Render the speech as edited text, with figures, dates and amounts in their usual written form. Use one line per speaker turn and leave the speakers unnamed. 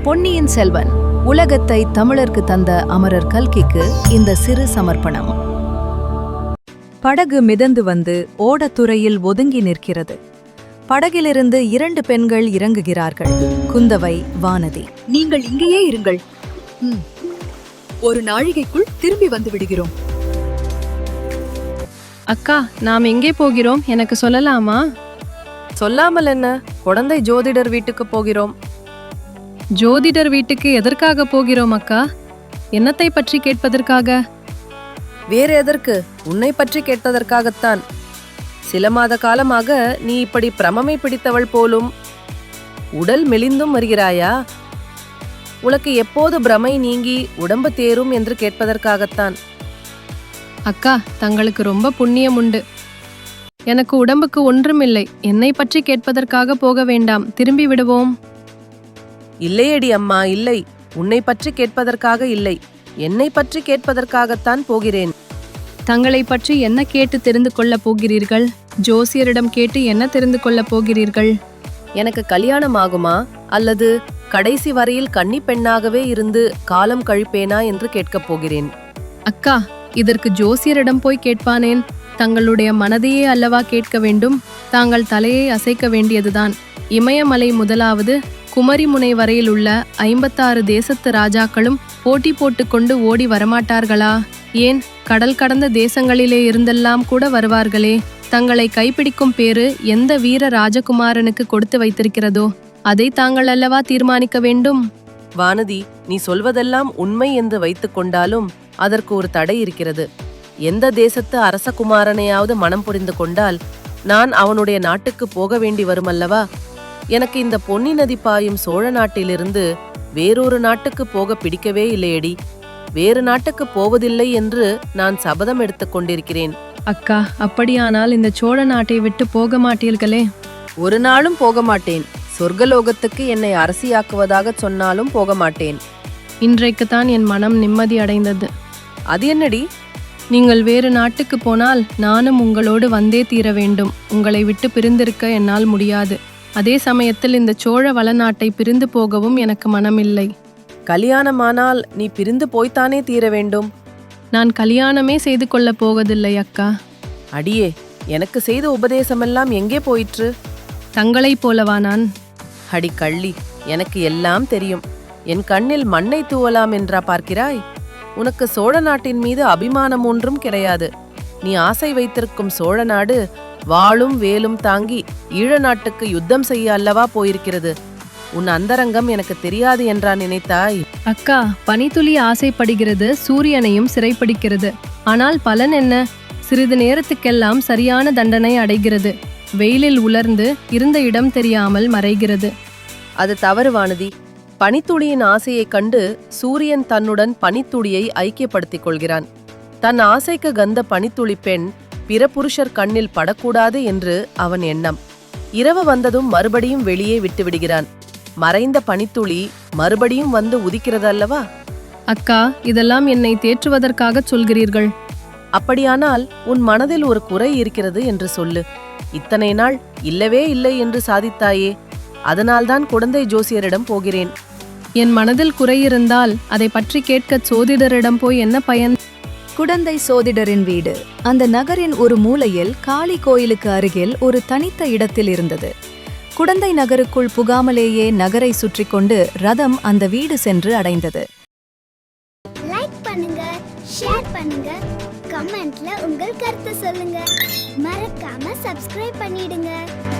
பொன்னியின் செல்வன் உலகத்தை தமிழருக்கு தந்த அமரர் கல்கிக்கு இந்த சிறு சமர்ப்பணம். படகு மிதந்து வந்து ஓடத்துறையில் ஒதுங்கி நிற்கிறது. படகிலிருந்து 2 பெண்கள் இறங்குகிறார்கள். குந்தவை, வானதி.
நீங்கள் இங்கேயே இருங்கள். ஒரு நாழிகைக்குள் திரும்பி வந்து விடுகிறோம்.
அக்கா, நாம் எங்கே போகிறோம்? எனக்கு சொல்லலாமா?
சொல்லாமல் என்ன? குழந்தை ஜோதிடர் வீட்டுக்கு போகிறோம்.
ஜோதிடர் வீட்டுக்கு எதற்காக போகிறோம் அக்கா? என்னத்தை பற்றி கேட்பதற்காக?
வேறு எதற்கு? உன்னை பற்றி கேட்பதற்காகத்தான். சில மாத காலமாக நீ இப்படி பிரமமை பிடித்தவள் போலும். உடல் மெலிந்தும் வருகிறாயா? உனக்கு எப்போது பிரமை நீங்கி உடம்பு தேரும் என்று கேட்பதற்காகத்தான்.
அக்கா, தங்களுக்கு ரொம்ப புண்ணியம் உண்டு. எனக்கு உடம்புக்கு ஒன்றுமில்லை. என்னை பற்றி கேட்பதற்காக போக வேண்டாம், திரும்பி விடுவோம்.
இல்லையடி அம்மா, இல்லை. உன்னை பற்றி கேட்பதற்காக இல்லை, என்னை பற்றி கேட்பதற்காகத்தான் போகிறேன்.
தங்களை பற்றி என்ன கேட்டு தெரிந்து கொள்ளப் போகிறீர்கள்? ஜோசியரிடம் கேட்டு என்ன தெரிந்து கொள்ளப் போகிறீர்கள்?
எனக்கு கல்யாணம் ஆகுமா, அல்லது கடைசி வரையில் கன்னி பெண்ணாகவே இருந்து காலம் கழிப்பேனா என்று கேட்கப் போகிறேன்.
அக்கா, இதற்கு ஜோசியரிடம் போய் கேட்பானேன்? தங்களுடைய மனதையே அல்லவா கேட்க வேண்டும். தாங்கள் தலையை அசைக்க வேண்டியதுதான். இமயமலை முதலாவது குமரிமுனை வரையில் உள்ள 56 தேசத்து ராஜாக்களும் போட்டி போட்டுக்கொண்டு ஓடி வரமாட்டார்களா? ஏன், கடல் கடந்த தேசங்களிலே இருந்தெல்லாம் கூட வருவார்களே. தங்களை கைப்பிடிக்கும் பேரு எந்த வீர ராஜகுமாரனுக்கு கொடுத்து வைத்திருக்கிறதோ அதை தாங்கள் அல்லவா தீர்மானிக்க வேண்டும்.
வானதி, நீ சொல்வதெல்லாம் உண்மை என்று வைத்துக் கொண்டாலும் அதற்கு ஒரு தடை இருக்கிறது. எந்த தேசத்து அரசகுமாரனையாவது மனம் புரிந்து கொண்டால் நான் அவனுடைய நாட்டுக்கு போக வேண்டி வருமல்லவா? எனக்கு இந்த பொன்னி நதி பாயும் சோழ நாட்டிலிருந்து வேறொரு நாட்டுக்கு போக பிடிக்கவே இல்லையடி. வேறு நாட்டுக்கு போவதில்லை என்று நான் சபதம் எடுத்துக் கொண்டிருக்கிறேன்.
அக்கா, அப்படியானால் இந்த சோழ நாட்டை விட்டு போக மாட்டீர்களே?
ஒரு நாளும் போக மாட்டேன். சொர்க்கலோகத்துக்கு என்னை அரசியாக்குவதாக சொன்னாலும் போக மாட்டேன்.
இன்றைக்குத்தான் என் மனம் நிம்மதி அடைந்தது.
அது என்னடி?
நீங்கள் வேறு நாட்டுக்கு போனால் நானும் உங்களோடு வந்தே தீர வேண்டும். உங்களை விட்டு பிரிந்திருக்க என்னால் முடியாது. அதே சமயத்தில் இந்த சோழ வளநாட்டை பிரிந்து போகவும் எனக்கு மனமில்லை.
கல்யாணமானால் நீ பிரிந்து போய்த்தானே தீர வேண்டும்.
நான் கல்யாணமே செய்து கொள்ளப் போவதில்லை அக்கா.
அடியே, எனக்கு செய்த உபதேசமெல்லாம் எங்கே போயிற்று?
தங்களைப் போலவா நான்?
அடி கள்ளி, எனக்கு எல்லாம் தெரியும். என் கண்ணில் மண்ணை தூவலாம் என்றா பார்க்கிறாய்? உனக்கு சோழ நாட்டின் மீது அபிமானம் ஒன்றும் கிடையாது. நீ ஆசை வைத்திருக்கும் சோழ நாடு வாளும் வேலும் தாங்கி ஈழ நாட்டுக்கு யுத்தம் செய்ய அல்லவா போயிருக்கிறது. உன் அந்தரங்கம் எனக்கு தெரியாது என்றா நினைத்தாய்?
அக்கா, பனித்துளி ஆசைப்படுகிறது, சூரியனையும் சிறைப்பிடிக்கிறது. ஆனால் பலன் என்ன? சிறிது நேரத்துக்கெல்லாம் சரியான தண்டனை அடைகிறது. வெயிலில் உலர்ந்து இருந்த இடம் தெரியாமல் மறைகிறது.
அது தவறு வானதி. பனித்துளியின் ஆசையைக் கண்டு சூரியன் தன்னுடன் பனித்துளியை ஐக்கியப்படுத்திக் கொள்கிறான். தன் ஆசைக்கு கந்த பனித்துளி பெண் பிற புருஷர் கண்ணில் படக்கூடாது என்று அவன் எண்ணம். இரவு வந்ததும் மறுபடியும் வெளியே விட்டு விடுகிறான். மறைந்த பனித்துளி மறுபடியும் வந்து உதிக்கிறதல்லவா?
அக்கா, இதெல்லாம் என்னை தேற்றுவதற்காக சொல்கிறீர்கள்.
அப்படியானால் உன் மனதில் ஒரு குறை இருக்கிறது என்று சொல்லு. இத்தனை நாள் இல்லவே இல்லை என்று சாதித்தாயே, அதனால்தான் குழந்தை ஜோசியரிடம் போகிறேன்.
என் மனதில் குறை இருந்தால் அதை பற்றி கேட்க சோதிடரிடம் போய் என்ன பயன்?
குடந்தை சோதிடரின் வீடு அந்த நகரின் ஒரு மூலையில் காளி கோயிலுக்கு அருகில் ஒரு தனித்த இடத்தில் இருந்தது. குடந்தை நகருக்குள் புகாமலேயே நகரை சுற்றி கொண்டு ரதம் அந்த வீடு சென்று அடைந்தது.
லைக் பண்ணுங்க, ஷேர் பண்ணுங்க, கமெண்ட்ல உங்கள் கருத்து சொல்லுங்க. மறக்காம சப்ஸ்கிரைப் பண்ணிடுங்க.